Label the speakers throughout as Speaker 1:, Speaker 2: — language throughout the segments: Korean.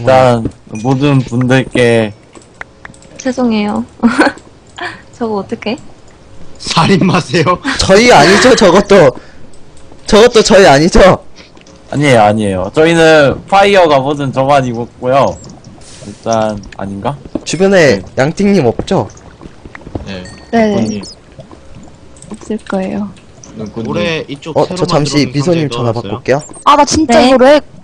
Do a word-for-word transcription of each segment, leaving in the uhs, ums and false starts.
Speaker 1: 일단 모든 분들께
Speaker 2: 죄송해요. 저거 어떡해?
Speaker 3: 살인 마세요.
Speaker 4: 저희 아니죠 저것도. 저것도 저희 아니죠.
Speaker 1: 아니에요 아니에요 저희는 파이어가 뭐든 저만 입었고요. 일단 아닌가?
Speaker 4: 주변에 양띵님 없죠?
Speaker 3: 네.
Speaker 2: 네네.
Speaker 3: 눈꽃님.
Speaker 2: 없을 거예요.
Speaker 1: 눈꽃님.
Speaker 3: 올해 이쪽
Speaker 4: 어
Speaker 3: 새로
Speaker 4: 저 잠시
Speaker 3: 만들어놓은
Speaker 4: 미소님
Speaker 3: 상자에
Speaker 4: 전화
Speaker 3: 넣어놨어요.
Speaker 4: 바꿀게요.
Speaker 5: 아, 나 진짜
Speaker 2: 네.
Speaker 5: 이거 렉.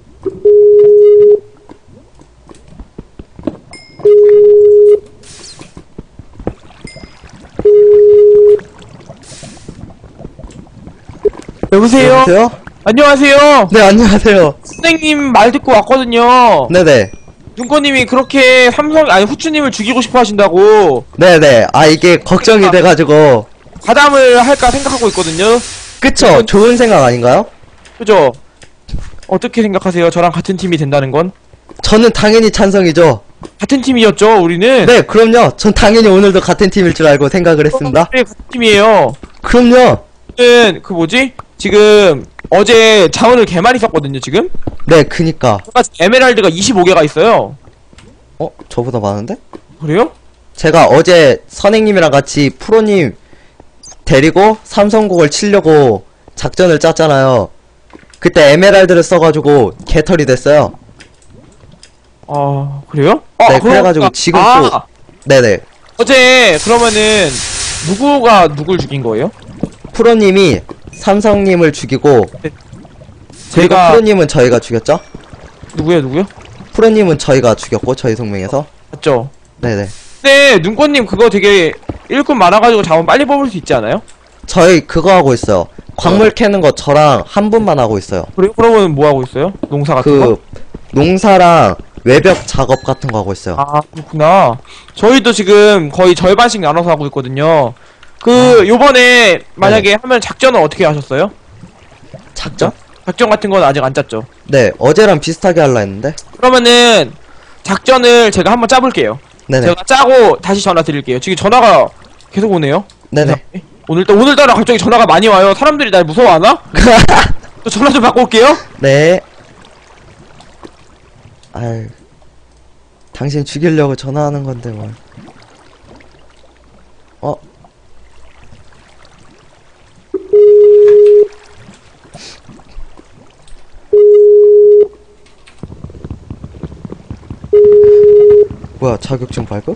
Speaker 6: 여보세요?
Speaker 4: 여보세요?
Speaker 6: 안녕하세요.
Speaker 4: 네 안녕하세요.
Speaker 6: 선생님 말 듣고 왔거든요.
Speaker 4: 네네.
Speaker 6: 눈꽃님이 그렇게 삼성 아니 후추님을 죽이고 싶어 하신다고
Speaker 4: 네네. 아 이게 걱정이 돼가지고.
Speaker 6: 가담을 할까 생각하고 있거든요.
Speaker 4: 그쵸? 좋은 생각 아닌가요?
Speaker 6: 그죠? 어떻게 생각하세요? 저랑 같은 팀이 된다는 건?
Speaker 4: 저는 당연히 찬성이죠.
Speaker 6: 같은 팀이었죠, 우리는.
Speaker 4: 네 그럼요. 전 당연히 오늘도 같은 팀일 줄 알고 생각을 했습니다.
Speaker 6: 네, 같은 팀이에요.
Speaker 4: 그럼요.
Speaker 6: 저는 그 뭐지? 지금 어제 자원을 개 많이 썼거든요, 지금.
Speaker 4: 네 그니까.
Speaker 6: 제가 에메랄드가 이십오 개가 있어요.
Speaker 4: 어? 저보다 많은데?
Speaker 6: 그래요?
Speaker 4: 제가 어제 선생님이랑 같이 프로님 데리고 삼성국을 치려고 작전을 짰잖아요. 그때 에메랄드를 써가지고 개털이 됐어요.
Speaker 6: 아, 그래요?
Speaker 4: 네,
Speaker 6: 아,
Speaker 4: 그래가지고
Speaker 6: 그러니까-
Speaker 4: 지금
Speaker 6: 아,
Speaker 4: 또- 네네.
Speaker 6: 어제 그러면은 누구가 누굴 죽인 거예요?
Speaker 4: 프로님이 삼성님을 죽이고 그리고
Speaker 6: 제가
Speaker 4: 프로님은 저희가 죽였죠?
Speaker 6: 누구요, 누구요?
Speaker 4: 프로님은 저희가 죽였고 저희 동맹에서.
Speaker 6: 맞죠?
Speaker 4: 네네.
Speaker 6: 근데 눈꽃님 그거 되게 일꾼 많아가지고 자원 빨리 뽑을 수 있지 않아요?
Speaker 4: 저희 그거 하고 있어요. 광물 캐는 거 저랑 한 분만 하고 있어요.
Speaker 6: 그래요? 그러면 뭐 하고 있어요? 농사 같은 거?
Speaker 4: 그 농사랑 외벽 작업 같은 거 하고 있어요.
Speaker 6: 아, 그렇구나. 저희도 지금 거의 절반씩 나눠서 하고 있거든요. 그 요번에 만약에 하면 작전은 어떻게 하셨어요?
Speaker 4: 작전?
Speaker 6: 작전 같은 건 아직 안 짰죠?
Speaker 4: 네 어제랑 비슷하게 하려 했는데.
Speaker 6: 그러면은 작전을 제가 한번 짜볼게요.
Speaker 4: 네네.
Speaker 6: 제가 짜고 다시 전화 드릴게요. 지금 전화가 계속 오네요.
Speaker 4: 네네.
Speaker 6: 오늘따 오늘따라 갑자기 전화가 많이 와요. 사람들이 날 무서워하나? 또 전화 좀 받고 올게요.
Speaker 4: 네. 아유, 당신 죽이려고 전화하는 건데 뭘. 어? 뭐야, 자격증 발급?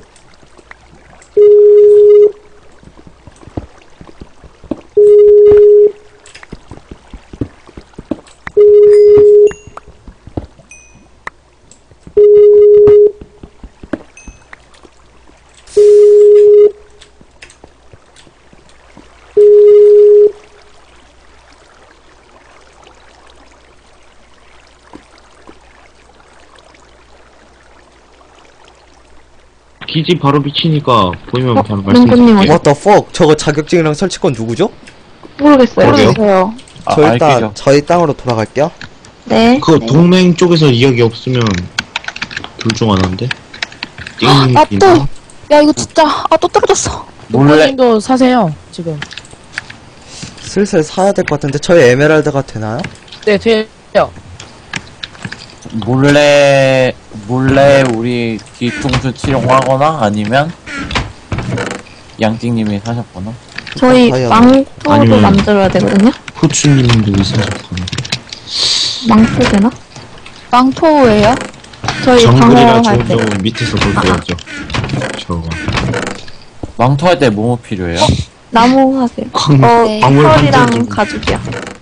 Speaker 3: 기지 바로 비치니까 보이면
Speaker 2: 어,
Speaker 3: 바로
Speaker 2: 눈꽃님
Speaker 3: 말씀드릴게요.
Speaker 4: What the fuck? 저거 자격증이랑 설치권 누구죠?
Speaker 2: 모르겠어요.
Speaker 3: 그러게요.
Speaker 2: 모르겠어요.
Speaker 1: 아,
Speaker 4: 저
Speaker 1: 알기죠.
Speaker 4: 일단 저희 땅으로 돌아갈게요.
Speaker 2: 네.
Speaker 3: 그
Speaker 2: 네.
Speaker 3: 동맹 쪽에서 이야기 없으면 둘 중 하나인데.
Speaker 5: 아,
Speaker 3: 띵.
Speaker 5: 또. 야, 이거 진짜. 아, 또 떨어졌어.
Speaker 1: 몰래
Speaker 7: 도 사세요 지금.
Speaker 4: 슬슬 사야 될 것 같은데 저희 에메랄드가 되나요?
Speaker 7: 네 돼요.
Speaker 1: 몰래 몰래 우리 뒤통수 치료하거나 아니면 양띵님이 사셨거나.
Speaker 2: 저희
Speaker 4: 다이아몬드.
Speaker 2: 망토도
Speaker 3: 아니면-
Speaker 2: 만들어야 되거든요.
Speaker 3: 후추님도 있으셨구나.
Speaker 2: 망토 되나?
Speaker 5: 망토예요?
Speaker 2: 저희
Speaker 3: 정글이라
Speaker 2: 방어할 때.
Speaker 3: 좋은 밑에서 볼 거였죠. 저거.
Speaker 1: 망토할 때 뭐뭐 필요해요?
Speaker 2: 나무 하세요.
Speaker 3: 광,
Speaker 2: 어,
Speaker 5: 네.
Speaker 3: 광물 반전
Speaker 2: 털이랑
Speaker 3: 좀.
Speaker 2: 가죽이야.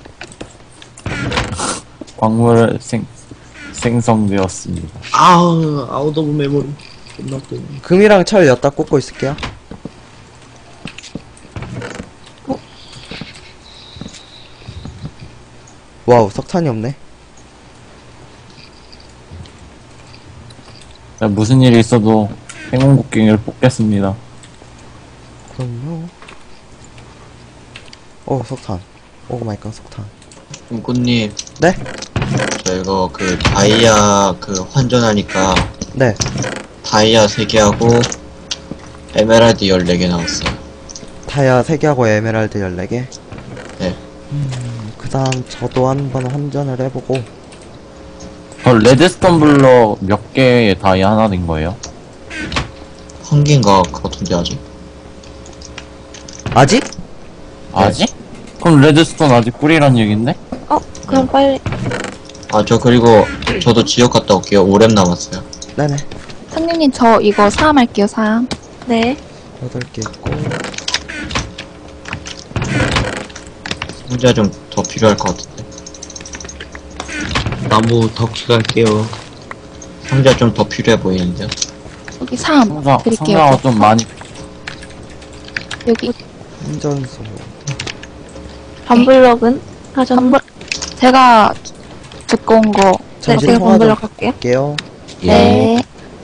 Speaker 1: 광물 생 생성되었습니다.
Speaker 3: 아우, 아웃 오브 메모리. 끝났고.
Speaker 4: 금이랑 철 엿다 꽂고 있을게요. 와우, 석탄이 없네.
Speaker 1: 자, 무슨 일이 있어도 행운곡괭이를 뽑겠습니다.
Speaker 4: 그럼요. 오, 석탄. 오 마이 갓, 석탄.
Speaker 8: 눈꽃님,
Speaker 4: 네?
Speaker 8: 저 이거 그 다이아 그 환전하니까
Speaker 4: 네.
Speaker 8: 다이아 세 개하고 에메랄드 열네 개 나왔어요.
Speaker 4: 다이아 세 개하고 에메랄드 열네 개.
Speaker 8: 네.
Speaker 4: 음, 그 다음 저도 한번 환전을 해보고.
Speaker 1: 저 레드스톤 블럭 몇 개의 다이 하나 된 거예요?
Speaker 8: 한 개인가 같은데 아직.
Speaker 4: 아직?
Speaker 1: 아직? 그럼 레드스톤 아직 꿀이란 얘긴데?
Speaker 2: 어, 그럼 빨리.
Speaker 8: 아 저 그리고 저도 지역 갔다 올게요. 오 렘 남았어요.
Speaker 4: 네네.
Speaker 5: 상님님 저 이거 사암할게요 사암.
Speaker 2: 네.
Speaker 4: 여덟 개 있고.
Speaker 8: 상자 좀 더 필요할 것 같은데.
Speaker 3: 나무 덕시 갈게요.
Speaker 8: 상자 좀 더 필요해 보이는데요.
Speaker 5: 여기 사암
Speaker 1: 상자,
Speaker 5: 드릴게요.
Speaker 1: 상자가 좀 많이.
Speaker 5: 여기
Speaker 4: 운전소.
Speaker 2: 반블럭은 하셨나?
Speaker 5: 반블 제가 듣고 온 거.
Speaker 2: 네,
Speaker 4: 잠시
Speaker 2: 제가
Speaker 4: 통화 좀
Speaker 2: 반블럭 할게요.
Speaker 4: 할게요.
Speaker 5: 네.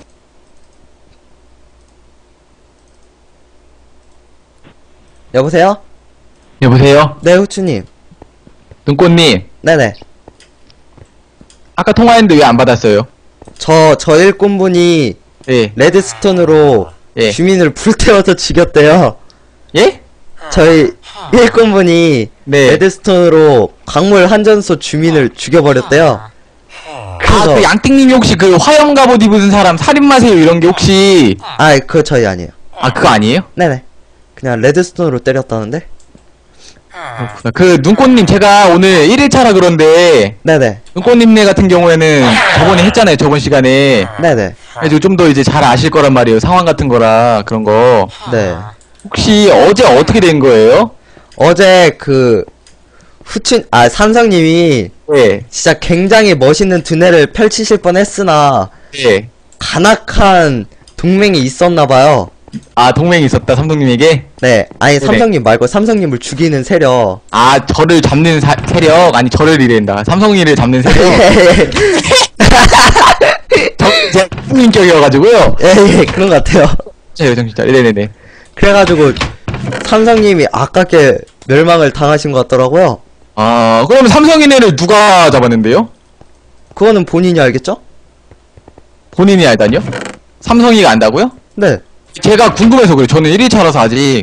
Speaker 4: 여보세요?
Speaker 9: 여보세요?
Speaker 4: 네, 후추님.
Speaker 9: 눈꽃님,
Speaker 4: 네네.
Speaker 9: 아까 통화했는데 왜 안 받았어요?
Speaker 4: 저, 저 일꾼분이
Speaker 9: 예,
Speaker 4: 레드스톤으로
Speaker 9: 예.
Speaker 4: 주민을 불태워서 죽였대요.
Speaker 9: 예?
Speaker 4: 저희 일꾼분이
Speaker 9: 네.
Speaker 4: 레드스톤으로 광물 한전소 주민을 죽여버렸대요.
Speaker 9: 아,
Speaker 4: 그래서,
Speaker 9: 그 양띵님이 혹시 그 화염 갑옷 입은 사람 살인마세요 이런 게 혹시,
Speaker 4: 아, 그거 저희 아니에요.
Speaker 9: 아, 그거 아니에요?
Speaker 4: 네네. 그냥 레드스톤으로 때렸다는데?
Speaker 9: 그렇구나. 그 눈꽃님 제가 오늘 일 일차라 그런데,
Speaker 4: 네네.
Speaker 9: 눈꽃님네 같은 경우에는 저번에 했잖아요, 저번 시간에.
Speaker 4: 네네.
Speaker 9: 그래서 좀 더 이제 잘 아실 거란 말이에요, 상황 같은 거라, 그런 거.
Speaker 4: 네.
Speaker 9: 혹시 어제 어떻게 된 거예요?
Speaker 4: 어제 그, 후춘, 아, 삼성님이
Speaker 9: 예,
Speaker 4: 진짜 굉장히 멋있는 두뇌를 펼치실 뻔 했으나,
Speaker 9: 예.
Speaker 4: 간악한 동맹이 있었나봐요.
Speaker 9: 아, 동맹이 있었다, 삼성님에게?
Speaker 4: 네. 아니,
Speaker 9: 네네.
Speaker 4: 삼성님 말고 삼성님을 죽이는 세력.
Speaker 9: 아, 저를 잡는 사, 세력? 아니, 저를 이랜다. 삼성이를 잡는 세력? 저, 제가 국민격이어가지고요.
Speaker 4: 예, 예, 그런 것 같아요.
Speaker 9: 제 정신차. 네네네.
Speaker 4: 그래가지고, 삼성님이 아깝게 멸망을 당하신 것 같더라고요.
Speaker 9: 아, 그럼 삼성인애를 누가 잡았는데요?
Speaker 4: 그거는 본인이 알겠죠?
Speaker 9: 본인이 알다니요? 삼성이가 안다고요?
Speaker 4: 네.
Speaker 9: 제가 궁금해서 그래요. 저는 일 일차라서 아직.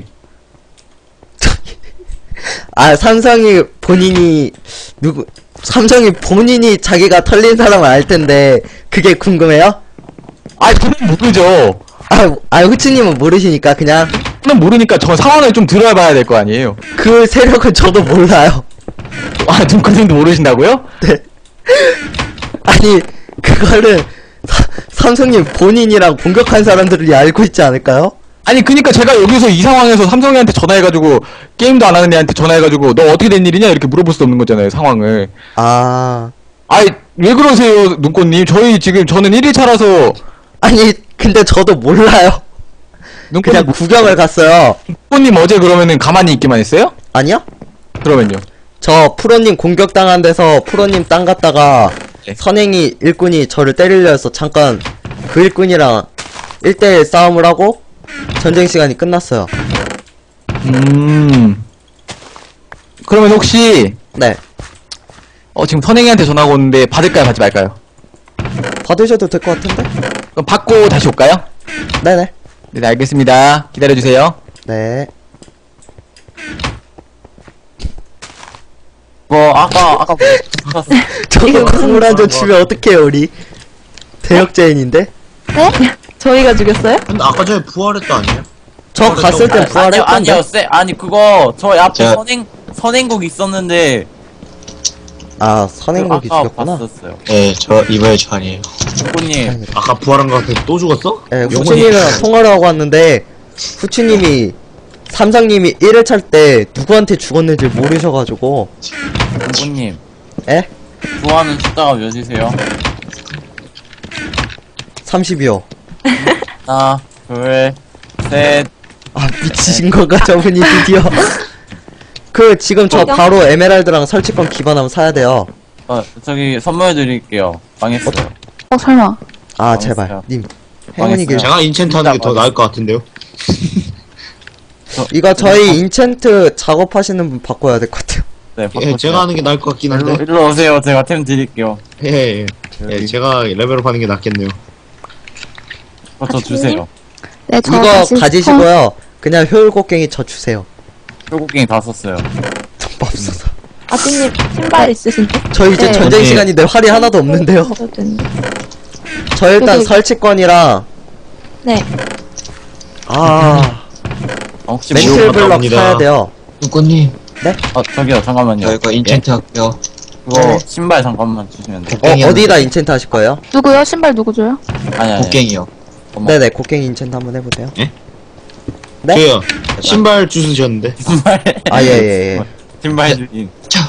Speaker 4: 아, 삼성이 본인이, 누구, 삼성이 본인이 자기가 털린 사람을 알 텐데, 그게 궁금해요?
Speaker 9: 아, 저는 모르죠.
Speaker 4: 아, 아, 후치님은 모르시니까 그냥,
Speaker 9: 저는 모르니까 저 상황을 좀 들어봐야 될 거 아니에요.
Speaker 4: 그 세력은 저도 몰라요.
Speaker 9: 아, 눈꽃님도 모르신다고요?
Speaker 4: 네. 아니, 그거를, 사, 삼성님 본인이랑 공격한 사람들이 알고 있지 않을까요?
Speaker 9: 아니, 그니까 제가 여기서 이 상황에서 삼성이한테 전화해가지고, 게임도 안 하는 애한테 전화해가지고, 너 어떻게 된 일이냐? 이렇게 물어볼 수 없는 거잖아요, 상황을.
Speaker 4: 아,
Speaker 9: 아이, 왜 그러세요, 눈꽃님? 저희 지금, 저는 일 일차라서,
Speaker 4: 아니, 근데 저도 몰라요.
Speaker 9: 눈꽃님,
Speaker 4: 그냥 구경을 갔어요.
Speaker 9: 눈꽃님 어제 그러면은 가만히 있기만 했어요?
Speaker 4: 아니요?
Speaker 9: 그러면요.
Speaker 4: 저 프로님 공격당한 데서 프로님 땅 갔다가
Speaker 9: 네.
Speaker 4: 선행이 일꾼이 저를 때리려 해서 잠깐 그 일꾼이랑 일 대일 싸움을 하고 전쟁 시간이 끝났어요.
Speaker 9: 음. 그러면 혹시,
Speaker 4: 네.
Speaker 9: 어, 지금 선행이한테 전화가 오는데 받을까요, 받지 말까요?
Speaker 4: 받으셔도 될 것 같은데?
Speaker 9: 그럼 받고 다시 올까요?
Speaker 4: 네네.
Speaker 9: 네, 알겠습니다. 기다려주세요.
Speaker 4: 네.
Speaker 1: 뭐, 아까, 아까 뭐,
Speaker 4: 저거 광물 한잔 주면 어떡해요, 우리? 대역죄인인데?
Speaker 2: 저희가 죽였어요?
Speaker 3: 근데 아까 전에 부활했다 아니에요?
Speaker 4: 저 갔을 땐
Speaker 1: 아니요,
Speaker 4: 부활했던데?
Speaker 1: 아니요, 쎄, 아니, 그거, 저희 앞에
Speaker 8: 제가-
Speaker 1: 선행, 선행국 있었는데,
Speaker 4: 아, 선행국이
Speaker 1: 아까
Speaker 4: 죽였구나.
Speaker 8: 네,
Speaker 1: 봤었어요.
Speaker 8: 저 이번에 저 아니에요.
Speaker 1: 누구님,
Speaker 3: 아까 부활한 거 같아. 또 죽었어?
Speaker 4: 예,
Speaker 3: 영혼이-
Speaker 4: 후추님이랑 통화를 하고 왔는데, 후추님이, 삼성님이 일 회 찰 때 누구한테 죽었는지 모르셔가지고,
Speaker 1: 누구님,
Speaker 4: 에?
Speaker 1: 좋아하는 숫자가 몇이세요?
Speaker 4: 삼십이요.
Speaker 1: 하나, 둘, 셋,
Speaker 4: 아, 미치신 건가, 저분이 드디어. 그, 지금 저 바로 에메랄드랑 설치권 기반하면 사야 돼요.
Speaker 1: 어, 저기 선물 드릴게요. 망했어요.
Speaker 5: 어 설마.
Speaker 4: 아, 제발. 님. 행운이
Speaker 1: 망했어요.
Speaker 4: 길.
Speaker 3: 제가 인챈트 하는 게 더 나을 것 같은데요?
Speaker 4: 이거 저희 인챈트 작업하시는 분 바꿔야 될 것 같아요.
Speaker 1: 네,
Speaker 3: 예,
Speaker 1: 바꿔주세요.
Speaker 3: 제가 하는 게 나을 것 같긴
Speaker 1: 일로,
Speaker 3: 한데.
Speaker 1: 일로 오세요. 제가 템 드릴게요.
Speaker 3: 예, 예. 예, 제가 레벨업 하는 게 낫겠네요.
Speaker 1: 어, 저 주세요.
Speaker 5: 네, 저
Speaker 4: 이거
Speaker 5: 다시
Speaker 4: 가지시고요. 그냥 효율곡괭이 저 주세요.
Speaker 1: 결국갱이 다 썼어요.
Speaker 4: 돈 없어서.
Speaker 2: 아드님 신발 있으신데?
Speaker 4: 저 이제
Speaker 2: 네.
Speaker 4: 전쟁
Speaker 3: 언니.
Speaker 4: 시간인데 활이 하나도 없는데요.
Speaker 2: 해도 되는데.
Speaker 4: 저 일단
Speaker 2: 여기-
Speaker 4: 설치권이랑
Speaker 2: 네.
Speaker 4: 아
Speaker 1: 어, 혹시
Speaker 4: 멘틀
Speaker 1: 뭐,
Speaker 4: 블럭
Speaker 3: 갑니다.
Speaker 4: 사야 돼요.
Speaker 8: 누꾸님,
Speaker 1: 어, 저기요, 잠깐만요.
Speaker 8: 저 이거 인챈트 할게요.
Speaker 1: 그거
Speaker 4: 네.
Speaker 1: 신발 잠깐만 주시면 돼요.
Speaker 4: 어
Speaker 8: 곡괭이
Speaker 4: 어디다
Speaker 8: 하나
Speaker 4: 인챈트 하실 거예요?
Speaker 5: 누구요? 신발 누구 줘요?
Speaker 1: 아니, 아니.
Speaker 8: 곡괭이요.
Speaker 1: 어머.
Speaker 4: 네네 곡괭이 인챈트 한번 해보세요. 네?
Speaker 3: 저요. 신발 주스셨는데.
Speaker 1: 신발.
Speaker 4: 아 예 예예.
Speaker 1: 신발 주인.
Speaker 8: 자,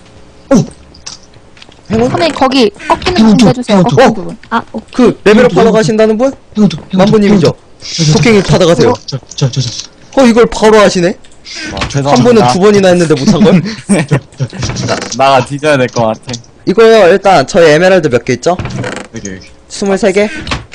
Speaker 4: 행운?
Speaker 5: 선생님, 거기 꺾이는
Speaker 8: 행운
Speaker 5: 부분
Speaker 8: 좀,
Speaker 5: 해주세요.
Speaker 8: 행운
Speaker 5: 꺾이는
Speaker 4: 좀.
Speaker 5: 부분.
Speaker 2: 아, 오,
Speaker 4: 그 레벨업 하러 가신다는 분?
Speaker 8: 행운도, 행운도.
Speaker 4: 만보님이죠. 곡괭이 받아가세요.
Speaker 8: 저, 저, 저, 저.
Speaker 4: 어 이걸 바로 하시네?
Speaker 1: 와,
Speaker 4: 한
Speaker 1: 죄송합니다.
Speaker 4: 번은 두 번이나 했는데 못한 걸?
Speaker 1: 나, 나가 뒤져야 될 것 같아.
Speaker 4: 이거요 일단 저희 에메랄드 몇 개 있죠?
Speaker 8: 여기, 여기.
Speaker 4: 스물세 개?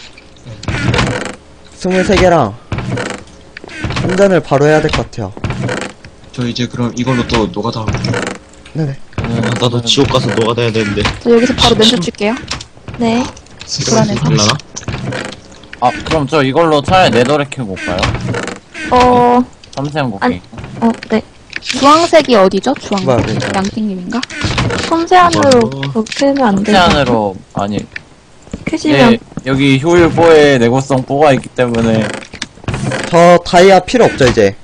Speaker 4: 스물세 개랑 한 잔을 바로 해야 될 것 같아요.
Speaker 8: 저 이제 그럼 이걸로 또 노가다 하고.
Speaker 4: 네네.
Speaker 3: 아, 나도 지옥 가서 노가다 해야 되는데.
Speaker 5: 저 여기서 바로 멘트 줄게요.
Speaker 2: 네.
Speaker 5: 불안해서.
Speaker 3: 될라나?
Speaker 1: 아, 그럼 저 이걸로 차라리 네더렉 켜고 올까요?
Speaker 2: 어,
Speaker 1: 섬세한 곡괭이.
Speaker 2: 어, 네.
Speaker 5: 주황색이 어디죠? 주황색?
Speaker 4: 뭐야, 뭐야.
Speaker 5: 양띵님인가?
Speaker 2: 섬세한으로
Speaker 3: 어.
Speaker 2: 그거 캐면 안 돼요.
Speaker 1: 섬세한으로, 아니,
Speaker 2: 캐시면
Speaker 1: 네, 여기 효율 뽀에 내구성 뽀가 있기 때문에.
Speaker 4: 저 다이아 필요 없죠 이제?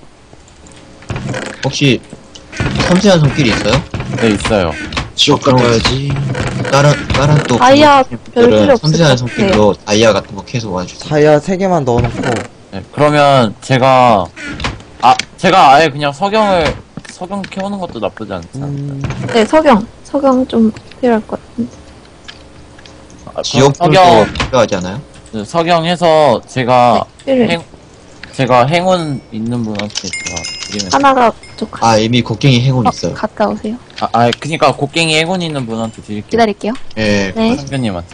Speaker 8: 혹시 섬세한 손길이 있어요?
Speaker 1: 네, 있어요.
Speaker 3: 지옥 가러 가야지.
Speaker 8: 다른, 다른 또.
Speaker 2: 다이아 별 필요
Speaker 8: 분들은
Speaker 2: 없을
Speaker 8: 섬세한
Speaker 2: 것 같아요.
Speaker 8: 손길로 다이아 같은 거 계속 와주세요.
Speaker 4: 다이아 세 개만 넣어놓고
Speaker 1: 네, 그러면 제가, 아, 제가 아예 그냥 석영을, 석영 켜오는 것도 나쁘지 않지 않을까요?
Speaker 4: 음...
Speaker 2: 네, 석영. 석영 좀 필요할 것 같은데.
Speaker 1: 아, 그럼
Speaker 8: 지옥불도
Speaker 1: 석영,
Speaker 8: 필요하지 않아요?
Speaker 1: 네, 석영해서 제가,
Speaker 2: 필요해.
Speaker 1: 행, 제가 행운 있는 분한테 제가 드리면.
Speaker 2: 하나가 부족하.
Speaker 8: 아, 이미 곡괭이 행운
Speaker 5: 어,
Speaker 8: 있어요.
Speaker 5: 갔다 오세요.
Speaker 1: 아, 아, 그니까 곡괭이 행운 있는 분한테 드릴게요.
Speaker 5: 기다릴게요.
Speaker 8: 예.
Speaker 2: 네.
Speaker 1: 상표님한테.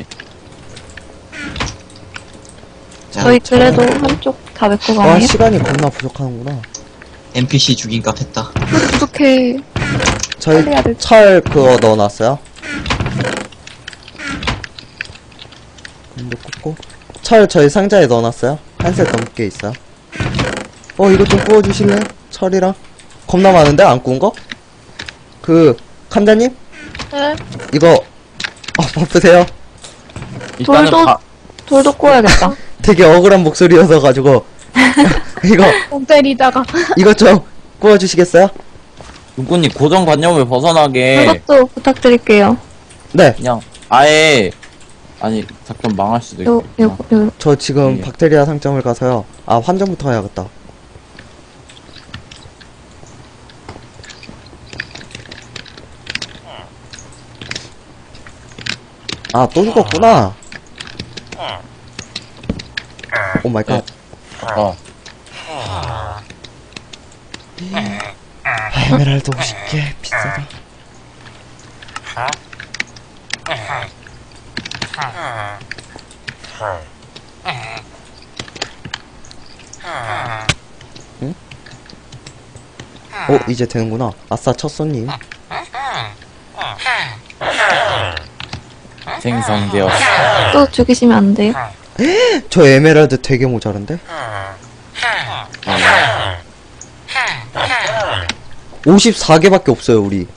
Speaker 8: 자,
Speaker 2: 저희 그래도 한쪽 다 메꿔
Speaker 4: 와
Speaker 2: 가네요.
Speaker 4: 시간이 겁나 부족하는구나.
Speaker 8: 엔피씨 죽인 값 했다.
Speaker 5: 부족해.
Speaker 4: 저희
Speaker 5: 빨리 해야 될
Speaker 4: 철 그거 넣어놨어요. 이거 꽂고 철 저희 상자에 넣어놨어요. 한 셋 넘게 있어요. 어 이거 좀 구워주실래요? 철이랑 겁나 많은데 안 구운 거? 그 감자님
Speaker 2: 네.
Speaker 4: 이거 어 바쁘세요?
Speaker 1: 일단은
Speaker 2: 돌도-
Speaker 1: 바,
Speaker 2: 돌도 구워야겠다.
Speaker 4: 되게 억울한 목소리여서 가지고 이거
Speaker 7: 똥 때리다가.
Speaker 4: 이것 좀 구워주시겠어요?
Speaker 1: 눈꽃님 고정관념을 벗어나게
Speaker 2: 그것도 부탁드릴게요.
Speaker 4: 네.
Speaker 1: 그냥 아예 아니 잠깐 망할 수도
Speaker 2: 요,
Speaker 1: 있겠구나.
Speaker 2: 요, 요.
Speaker 4: 저 지금
Speaker 1: 예.
Speaker 4: 박테리아 상점을 가서요. 아 환전부터 해야겠다. 아 또 죽었구나. 오 마이 갓.
Speaker 1: 어.
Speaker 4: 아, 에메랄드 오십 개 비싸다. 응? 어 이제 되는구나. 아싸 첫 손님.
Speaker 1: 생성되어.
Speaker 2: 또 죽이시면 안 돼요.
Speaker 4: 저 에메랄드 되게 모자란데? 오십사 개밖에 없어요 우리.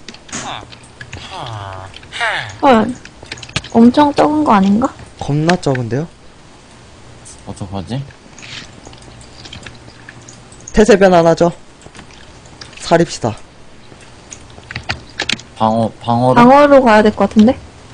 Speaker 2: 헐. 엄청 적은 거 아닌가?
Speaker 4: 겁나 적은데요?
Speaker 1: 어떡하지?
Speaker 4: 태세변 하나죠? 사립시다.
Speaker 1: 방어 방어로
Speaker 2: 방어로 가야 될 것 같은데?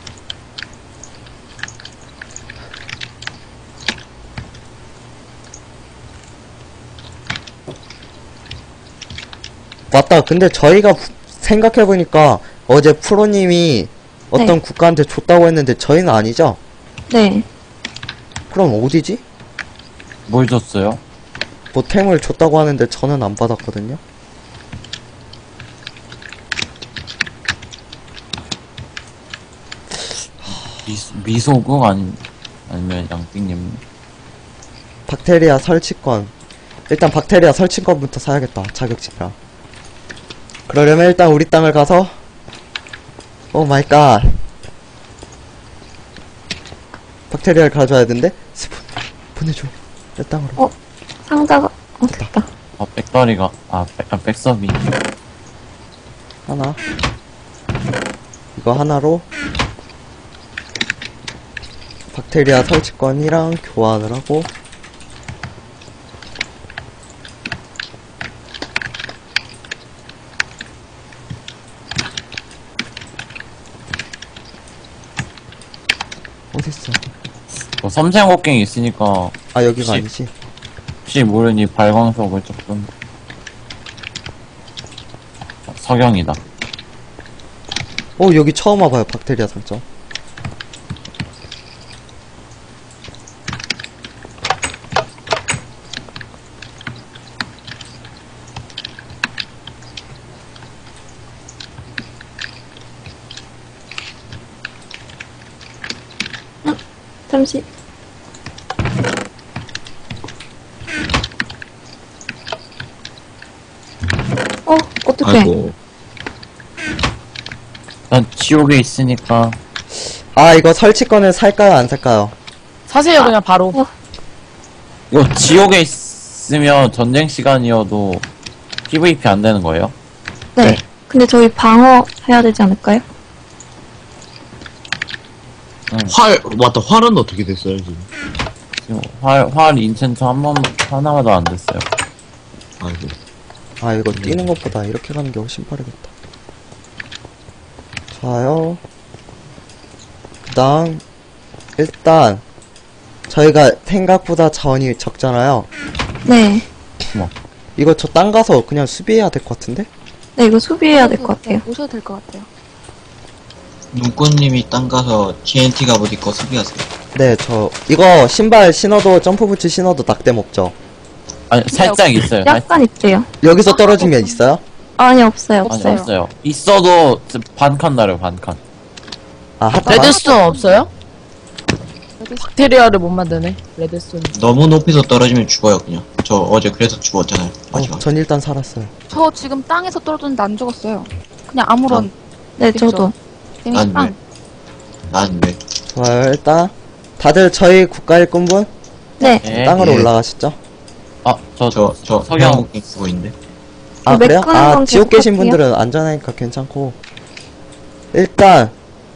Speaker 4: 맞다. 근데 저희가 부- 생각해보니까 어제 프로님이 어떤
Speaker 2: 네.
Speaker 4: 국가한테 줬다고 했는데 저희는 아니죠?
Speaker 2: 네.
Speaker 4: 그럼 어디지?
Speaker 1: 뭘 줬어요?
Speaker 4: 뭐 템을 줬다고 하는데 저는 안 받았거든요?
Speaker 1: 미소, 미소국 아니 아니면 양띵님.
Speaker 4: 박테리아 설치권. 일단 박테리아 설치권부터 사야겠다. 자격증이라. 그러려면 일단 우리 땅을 가서 오 마이 갓. 박테리아를 가져와야 되는데 스폰 보내줘. 내 땅으로.
Speaker 2: 어, 상자가, 어, 됐다.
Speaker 1: 아 백다리가 아, 백, 아 백섭이.
Speaker 4: 하나 이거 하나로 박테리아 설치건이랑 교환을 하고 어딨어?
Speaker 1: 뭐 섬세한 곡괭이 있으니까
Speaker 4: 아 여기가
Speaker 1: 혹시-
Speaker 4: 아니지.
Speaker 1: 혹시 모르니 발광석을 조금 어, 석영이다.
Speaker 4: 어 여기 처음 와봐요 박테리아 설정.
Speaker 2: 잠시. 어, 어떡해.
Speaker 3: 아이고.
Speaker 1: 난 지옥에 있으니까
Speaker 4: 아 이거 설치건을 살까요 안 살까요?
Speaker 7: 사세요, 그냥 바로.
Speaker 2: 어.
Speaker 1: 이거 지옥에 있으면 전쟁 시간이어도 피브이피 안 되는 거예요?
Speaker 2: 네.
Speaker 1: 네.
Speaker 2: 근데 저희 방어 해야 되지 않을까요?
Speaker 3: 활, 맞다. 활은 어떻게 됐어요, 지금?
Speaker 1: 지금 활, 활 인챈트 한 번, 하나마도 안 됐어요.
Speaker 3: 아이고.
Speaker 4: 아 이거 뛰는 것보다 이렇게 가는 게 훨씬 빠르겠다. 좋아요. 그 다음 일단 저희가 생각보다 자원이 적잖아요.
Speaker 2: 네.
Speaker 4: 이거 저 땅 가서 그냥 수비해야 될 것 같은데?
Speaker 2: 네, 이거 수비해야 될 것 같아요.
Speaker 5: 오셔도 될 것 같아요.
Speaker 8: 눈꽃님이 땅 가서 티엔티 갑옷 입고 수비하세요.
Speaker 4: 네, 저 이거 신발 신어도 점프 부츠 신어도 낙뎀 없죠?
Speaker 1: 아니, 살짝 있어요. 살-
Speaker 2: 약간 있대요.
Speaker 4: 여기서 떨어지면 있어요?
Speaker 2: 아니, 없어요,
Speaker 1: 아니,
Speaker 2: 없어요.
Speaker 1: 없어요. 있어도 반칸 나려요, 반칸.
Speaker 4: 아, 핫
Speaker 7: 레드스톤 없어요? 박테리아를 못 만드네. 레드스톤.
Speaker 8: 너무 높이서 떨어지면 죽어요 그냥. 저 어제 그래서 죽었잖아요. 마지막.
Speaker 4: 어, 전 일단 살았어요.
Speaker 5: 저 지금 땅에서 떨어졌는데 안 죽었어요. 그냥 아무런
Speaker 2: 네,
Speaker 5: 그쵸.
Speaker 2: 저도.
Speaker 5: 데미지
Speaker 8: 난
Speaker 5: 빵.
Speaker 8: 왜? 난 왜?
Speaker 4: 좋아요, 일단 다들 저희 국가 일꾼분
Speaker 2: 네.
Speaker 1: 네.
Speaker 4: 땅으로
Speaker 8: 예.
Speaker 4: 올라가시죠.
Speaker 1: 아, 저,
Speaker 8: 저, 저,
Speaker 1: 석영.
Speaker 8: 석영 쓰고 있는데.
Speaker 4: 아, 그래요?
Speaker 2: 메꾸는
Speaker 4: 아,
Speaker 2: 건
Speaker 4: 지옥 계신
Speaker 2: 계속할게요.
Speaker 4: 분들은 안전하니까 괜찮고. 일단,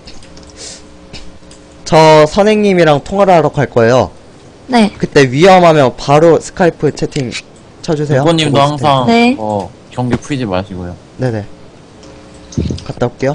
Speaker 4: 저 선생님이랑 통화를 하러 갈 거예요.
Speaker 2: 네.
Speaker 4: 그때 위험하면 바로 스카이프 채팅 쳐주세요.
Speaker 1: 누구님도
Speaker 4: 보고 있을
Speaker 1: 항상,
Speaker 2: 네.
Speaker 1: 어, 경기 풀지 마시고요.
Speaker 4: 테니까. 네네. 갔다 올게요.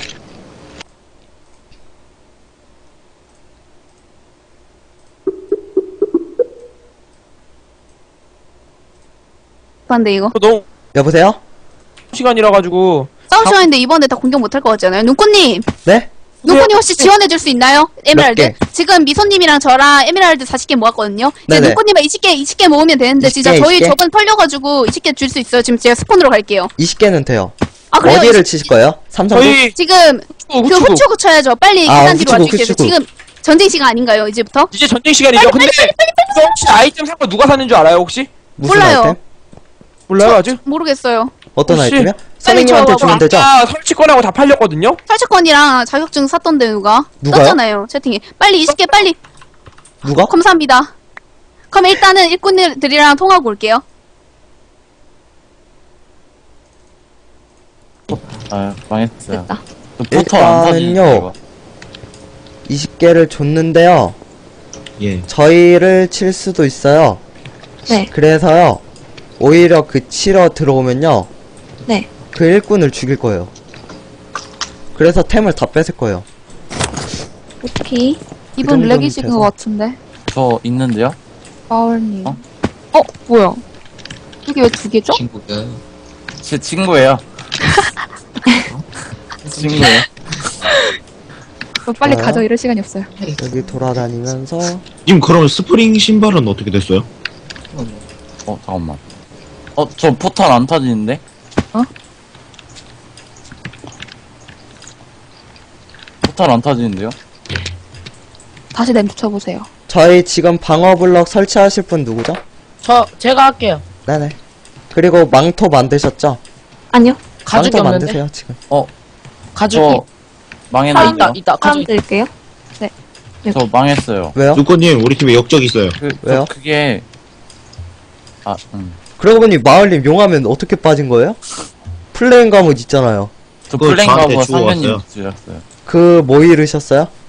Speaker 10: 근데 이거
Speaker 6: 너무
Speaker 4: 여보세요?
Speaker 6: 시간이라 가지고
Speaker 10: 싸움 시간인데 이번에 다 공격 못할 것 같잖아요. 눈꽃님,
Speaker 4: 네?
Speaker 10: 눈꽃님 혹시 지원해줄 수 있나요? 에메랄드.
Speaker 4: 개?
Speaker 10: 지금 미소님이랑 저랑 에메랄드 사십 개 모았거든요. 이제
Speaker 4: 네네.
Speaker 10: 눈꽃님은 이십 개, 이십 개 모으면 되는데
Speaker 4: 이십 개,
Speaker 10: 진짜 저희
Speaker 4: 이십 개?
Speaker 10: 저번 털려가지고 이십 개 줄 수 있어요. 지금 제가 스폰으로 갈게요.
Speaker 4: 이십 개는 돼요.
Speaker 10: 아 그래요?
Speaker 4: 어디를
Speaker 10: 이십-
Speaker 4: 치실 거예요? 삼성도?
Speaker 6: 저희
Speaker 10: 지금
Speaker 6: 후추,
Speaker 10: 그
Speaker 6: 후추.
Speaker 10: 후추구 쳐야죠. 빨리
Speaker 4: 아,
Speaker 10: 계단 뒤로
Speaker 4: 후추구,
Speaker 10: 와주세요.
Speaker 4: 후추구.
Speaker 10: 지금 전쟁 시간 아닌가요? 이제부터?
Speaker 6: 이제 전쟁 시간이죠. 근데 이거 혹시 아이템 산 거 누가 샀는 줄 알아요 혹시?
Speaker 4: 무슨
Speaker 10: 몰라요.
Speaker 4: 아이템?
Speaker 6: 몰라요 아직?
Speaker 10: 모르겠어요.
Speaker 4: 어떤
Speaker 6: 혹시-
Speaker 4: 아이템이요? 선생님한테
Speaker 10: 저거
Speaker 4: 주면 되죠?
Speaker 6: 아 설치권하고 다 팔렸거든요.
Speaker 10: 탈취권이랑 자격증 샀던데 누가?
Speaker 4: 누가요?
Speaker 10: 떴잖아요. 채팅에. 빨리 이십 개 빨리.
Speaker 4: 누가?
Speaker 10: 감사합니다. 그럼 일단은 일꾼들이랑 통하고 올게요.
Speaker 1: 아, 망했어요.
Speaker 10: 됐다.
Speaker 1: 저 포털 안 터지니까,
Speaker 4: 일단은요.
Speaker 1: 이거.
Speaker 4: 이십 개를 줬는데요.
Speaker 3: 예.
Speaker 4: 저희를 칠 수도 있어요.
Speaker 2: 네.
Speaker 4: 그래서요. 오히려 그 치러 들어오면요.
Speaker 2: 네.
Speaker 4: 그 일꾼을 죽일 거예요. 그래서 템을 다 뺏을 거예요.
Speaker 2: 오케이.
Speaker 10: 이분
Speaker 4: 정도는
Speaker 10: 렉이신
Speaker 4: 돼서.
Speaker 10: 것 같은데.
Speaker 1: 저 있는데요?
Speaker 10: 마을님.
Speaker 1: 어?
Speaker 10: 어? 뭐야? 이게 왜 두 개죠?
Speaker 8: 친구가.
Speaker 1: 제 친구예요. 친구예요.
Speaker 10: 어, 빨리
Speaker 4: 뭐야?
Speaker 10: 가져. 이럴 시간이 없어요.
Speaker 4: 여기 돌아다니면서
Speaker 3: 님, 그럼 스프링 신발은 어떻게 됐어요?
Speaker 1: 어, 잠깐만. 어, 저 포털 안 터지는데?
Speaker 7: 어?
Speaker 1: 포털 안 터지는데요?
Speaker 10: 다시 램 붙여보세요.
Speaker 4: 저희 지금 방어 블럭 설치하실 분 누구죠?
Speaker 7: 저, 제가 할게요.
Speaker 4: 네네. 그리고 망토 만드셨죠?
Speaker 2: 아니요.
Speaker 7: 가죽이
Speaker 4: 망토
Speaker 7: 없는데?
Speaker 4: 만드세요 지금.
Speaker 7: 가죽이.
Speaker 1: 저
Speaker 7: 아,
Speaker 1: 망했는데요?
Speaker 7: 있다, 있다.
Speaker 2: 사람
Speaker 7: 가죽.
Speaker 2: 드릴게요.
Speaker 1: 저 망했어요.
Speaker 4: 왜요?
Speaker 3: 누꺼님, 우리 팀에 역적 있어요.
Speaker 1: 그,
Speaker 4: 왜요?
Speaker 1: 저 그게 아, 음.
Speaker 4: 그러고 보니 마을님 용하면 어떻게 빠진 거예요? 플레인 과목 있잖아요.
Speaker 1: 저
Speaker 3: 그거 저한테
Speaker 1: 플랭하고
Speaker 3: 주고
Speaker 1: 상현님
Speaker 3: 왔어요.
Speaker 1: 주셨어요.
Speaker 4: 그 뭐 잃으셨어요?